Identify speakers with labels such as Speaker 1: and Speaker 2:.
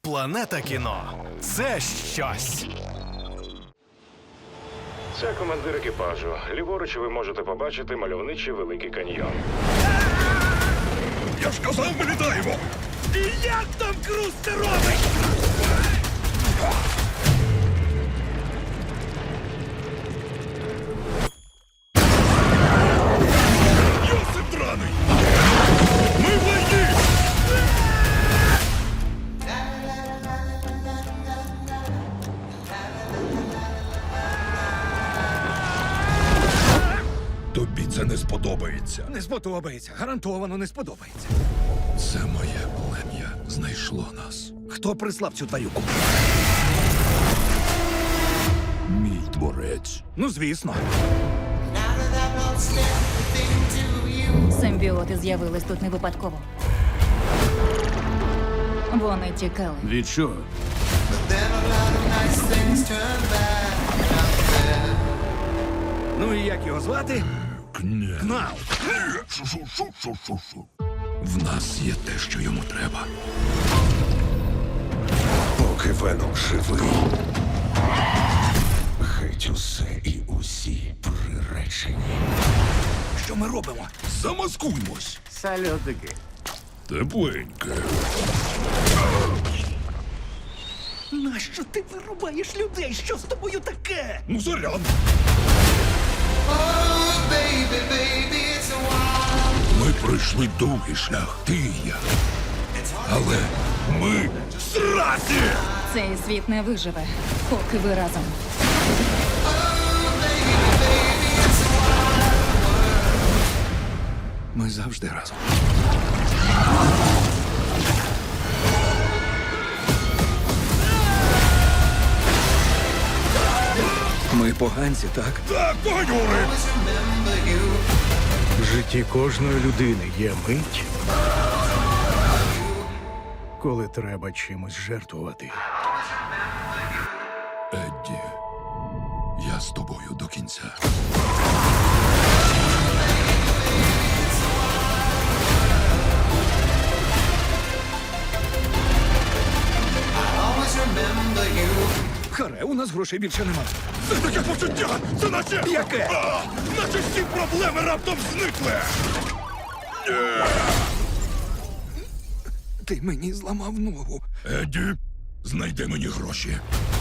Speaker 1: Планета кіно – це щось.
Speaker 2: Це командир екіпажу. Ліворуч ви можете побачити мальовничий Великий каньйон.
Speaker 3: Я ж казав, ми літаємо!
Speaker 1: І як там Круз це робить?
Speaker 3: Йосип драний! Ми в війні! Тобі це не сподобається.
Speaker 4: Не сподобається, гарантовано не сподобається.
Speaker 3: Це моє плем'я знайшло нас.
Speaker 4: Хто прислав цю тварюку?
Speaker 3: Мій творець.
Speaker 4: Ну, звісно.
Speaker 5: Симбіоти з'явились тут не випадково. Вони тікали.
Speaker 3: Від чого?
Speaker 4: Ну і як його звати?
Speaker 3: Кня.
Speaker 4: Кнал.
Speaker 3: Шу-шу-шу-шу-шу. В нас є те, що йому треба.
Speaker 6: Поки Веном живий, геть усе і усі приречені.
Speaker 4: Що ми робимо?
Speaker 3: Замаскуймось.
Speaker 1: Сальотики.
Speaker 3: Тепленьке.
Speaker 4: Нащо ти вирубаєш людей? Що з тобою таке?
Speaker 3: Ну, заряд. Ми пройшли довгий шлях, ти і я. Але ми зраді!
Speaker 5: Цей світ не виживе, поки ви разом.
Speaker 4: Ми завжди разом. Ми поганці, так?
Speaker 3: Так, погонюри!
Speaker 7: В житті кожної людини є мить, коли треба чимось жертвувати.
Speaker 3: Едді, я з тобою до кінця.
Speaker 4: Харе, у нас грошей більше нема.
Speaker 3: Це таке почуття! Це наче...
Speaker 4: Яке?
Speaker 3: Наче всі проблеми раптом зникли!
Speaker 4: Ти мені зламав ногу.
Speaker 3: Едді, знайди мені гроші.